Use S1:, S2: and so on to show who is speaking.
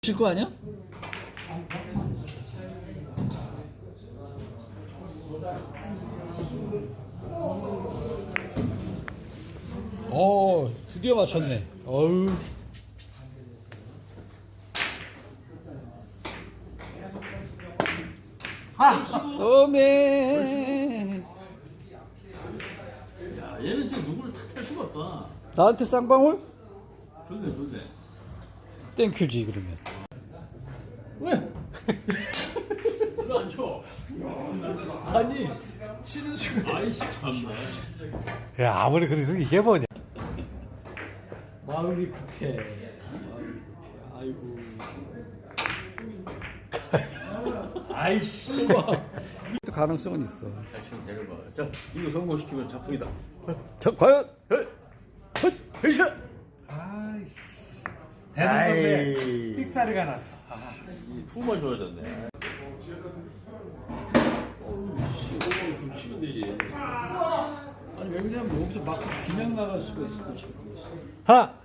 S1: 질 거 아니야? 드디어 맞췄네. 어우. 어메.
S2: 야, 얘는 진짜 누구를 탓할 수가 없다.
S1: 나한테 쌍방울?
S2: 좋네, 좋네.
S1: 땡큐지 그러면.
S2: 왜? 이거 안 쳐.
S1: 아니 치는 순간.
S2: 아이씨, 참나.
S1: 야 아무리 그래도 이게 뭐냐. 마음이 급해. 아이고. 아이씨. 또 가능성은 있어.
S2: 잘 치면 데려봐. 자, 이거 성공시키면 작품이다.
S1: 자 과연.
S2: 헤이샷!
S3: 아이씨 되는 건데 삑사리가 났어.
S2: 이 푸만 좋아졌네. 어우, 씨, 오늘 치면 되지.
S1: 아니 왜 그러냐면 여기서 막 그냥 나갈 수가 있을 거 지금.
S4: 하나